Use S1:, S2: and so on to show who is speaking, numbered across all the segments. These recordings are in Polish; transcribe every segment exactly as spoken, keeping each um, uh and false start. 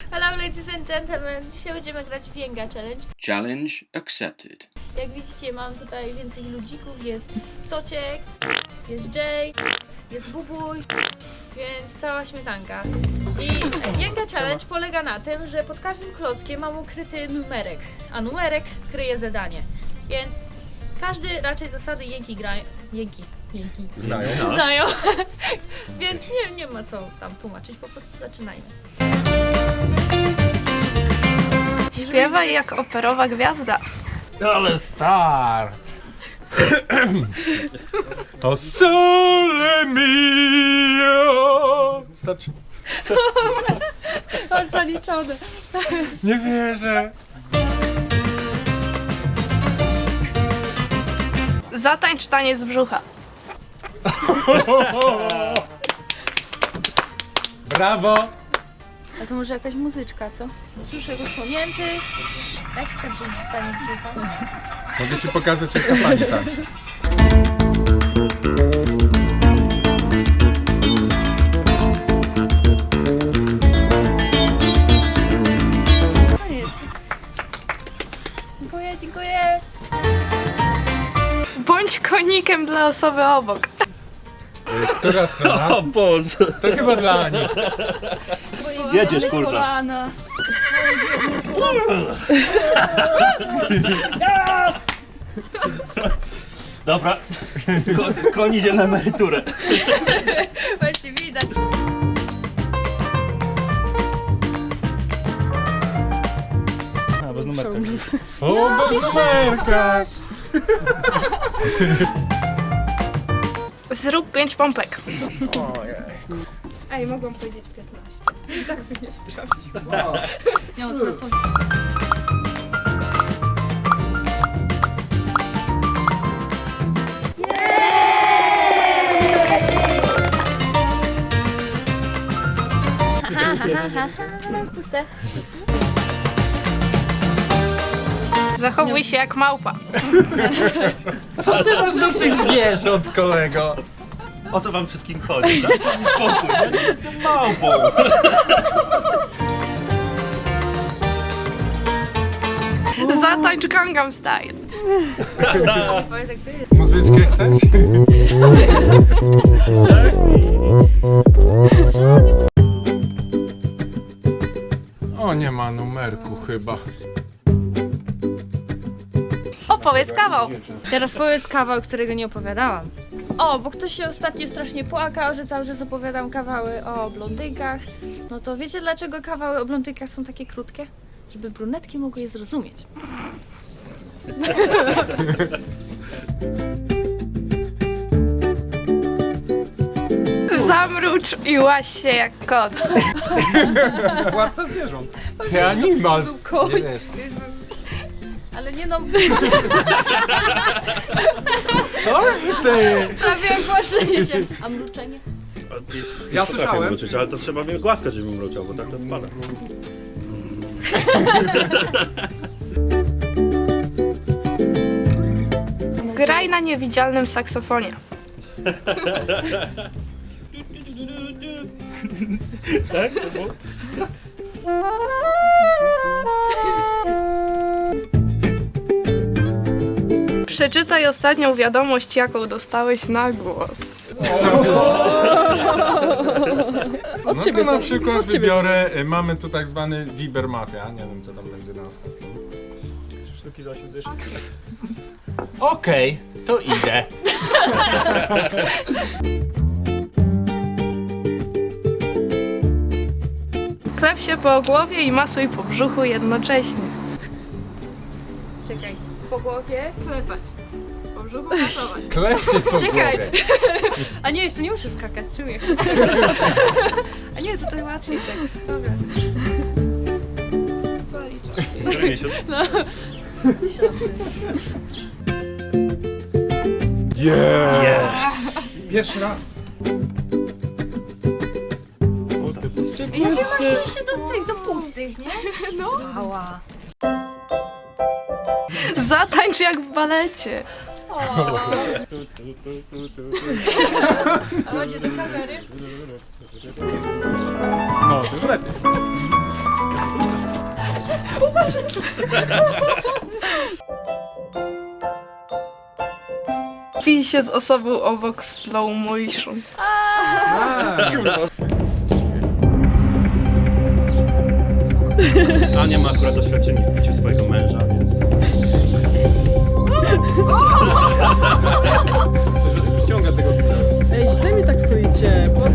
S1: Hello ladies and gentlemen, dzisiaj będziemy grać w Jenga Challenge.
S2: Challenge accepted.
S1: Jak widzicie, mam tutaj więcej ludzików, jest Tociek, jest Jay, jest Bubuś, więc cała śmietanka. I Jenga Challenge polega na tym, że pod każdym klockiem mam ukryty numerek, a numerek kryje zadanie. Więc każdy raczej zasady Jenki grają. Jenki. Jenki.
S3: Znają.
S1: No. Znają. Więc nie, nie ma co tam tłumaczyć, po prostu zaczynajmy.
S4: Śpiewaj jak operowa gwiazda.
S3: Ale start! O sole mio! Starczy.
S1: Masz zaliczone.
S3: Nie wierzę.
S4: Zatańcz taniec brzucha.
S3: Brawo!
S1: A to może jakaś muzyczka, co? Brzuszek odsłonięty. Jak się tańczy taniec brzucha?
S3: Mogę ci pokazać, jak ta pani tańczy.
S1: Koniec. Dziękuję, dziękuję.
S4: Bądź konikiem dla osoby obok.
S3: Która strona?
S5: O Boże!
S3: To chyba dla Ani.
S5: Jedziesz, kurwa.
S1: Kolana.
S5: Dobra, Ko koń idzie na emeryturę.
S1: Właśnie widać.
S5: A, bez numerka.
S3: O, bez numerka!
S4: Zrób pięć pompek. Ej, mogłam powiedzieć piętnaście. I tak by nie sprawdził.
S1: Nie, no to... Puste.
S4: Zachowuj się jak małpa.
S3: Co ty masz do tych zwierząt, kolego?
S5: O co wam wszystkim chodzi? Dajcie mi spokój, ja nie jestem małpą.
S4: Zatańcz Gangnam Style.
S3: Muzyczkę chcesz? O, nie ma numerku chyba.
S4: Opowiedz kawał.
S1: Teraz powiedz kawał, którego nie opowiadałam. O, bo ktoś się ostatnio strasznie płakał, że cały czas opowiadam kawały o blondynkach. No to wiecie, dlaczego kawały o blondynkach są takie krótkie? Żeby brunetki mogły je zrozumieć.
S4: Zamrucz i łaź się jak kot.
S3: Władca zwierząt. Ty animal.
S1: Był koń.
S3: Nie wiesz.
S1: Ale nie no,
S3: Co ty?
S1: prawie jak głaszczenie się. A mruczenie?
S3: Ja słyszałem.
S5: Mruczyć, ale to trzeba mnie głaskać, żebym mruczał, bo tak to wypada.
S4: Graj na niewidzialnym saksofonie.
S5: Tak? To było?
S4: Przeczytaj ostatnią wiadomość, jaką dostałeś na głos.
S3: No to na przykład wybiorę, y, mamy tu tak zwany Viber Mafia, nie wiem co tam będzie na następnym.
S5: Sztuki za osiem dyszek.
S3: Okej, to idę.
S4: Klep się po głowie i masuj po brzuchu jednocześnie.
S1: Czekaj, po głowie.
S4: Klepać. Po brzuchu masować.
S3: Klepcie po
S1: Czekaj.
S3: głowie.
S1: A nie, jeszcze nie muszę skakać, czuję. A nie, tutaj łatwiej tak. Dobra.
S5: Który miesiąc?
S1: Dziesiąty.
S3: Yeah. Pierwszy raz.
S1: Jakie masz szczęście do tych, do pustych, nie? No. Ała.
S4: Zatańcz jak w balecie.
S1: O. Ale nie do kamery.
S3: No, to już lepiej.
S4: Pij się z osobą obok w slow motion.
S5: Ania ma akurat doświadczenie w piciu swojego męża, więc...
S3: Ściąga tego
S6: Ej, źle mi tak stoicie. Bo...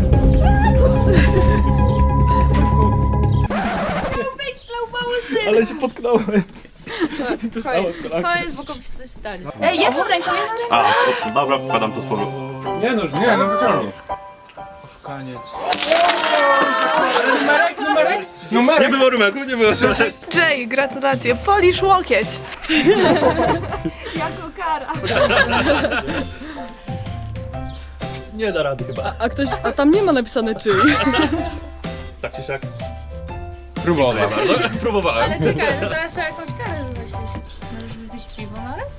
S5: Ale się potknąłem.
S1: Koniec, koniec, bo komuś coś stanie. Ej, jedną ręką, jedną ręką.
S5: A, o, dobra, wkładam to z powrotem.
S3: Nie no, nie no, wyciągnij. Koniec. Numerek, numerek,
S5: Nie
S3: numerek.
S5: było rymeku, nie było rymeku.
S4: Jay, gratulacje, polisz łokieć.
S1: Jako kara.
S5: Nie da rady chyba.
S6: A ktoś, a tam nie ma napisane czyj.
S5: Tak czy siak.
S3: Próbował.
S5: Bardzo próbowałem.
S1: Ale czekaj, no teraz trzeba jakąś karę wymyślić. Możesz wypić piwo na raz?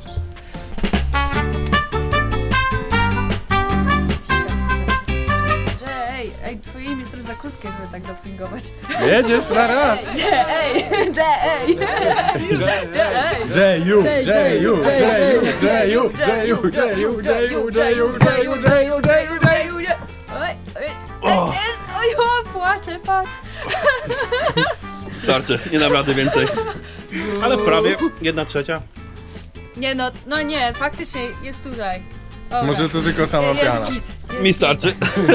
S1: Ej, ej, twoje imię jest trochę za krótkie, żeby tak dopingować.
S3: Jedziesz na raz.
S1: Ej, ej,
S3: Jeju, Jeju, Jeju, Jeju, Jeju, Jeju, Jeju, Jeju, Jeju, Jeju, Jeju, Jeju, Jeju.
S1: Oj, oj, oj, oj, oj, płaczę, patrz.
S5: Starczy, nie dam rady więcej. Ale prawie jedna trzecia.
S1: Nie no, no nie, faktycznie jest tutaj. Dobra.
S3: Może to tylko sama
S1: jest
S3: piana.
S1: git.
S5: Mi starczy.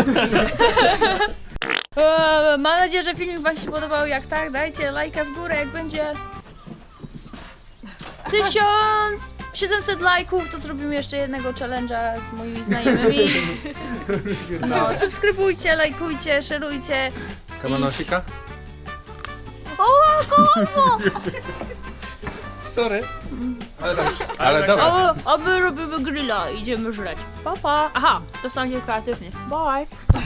S1: Eee, mam nadzieję, że filmik wam się podobał. Jak tak, dajcie lajka w górę, jak będzie tysiąc siedemset lajków, to zrobimy jeszcze jednego challenge'a z moimi znajomymi. No, subskrybujcie, lajkujcie, szerujcie.
S3: Kamanosika?
S1: O, kolumbo!
S3: Sorry. Ale dobrze. Ale dobra.
S1: O, a my robimy grilla, idziemy żreć. Pa, pa. Aha, to są kreatywnie. Bye.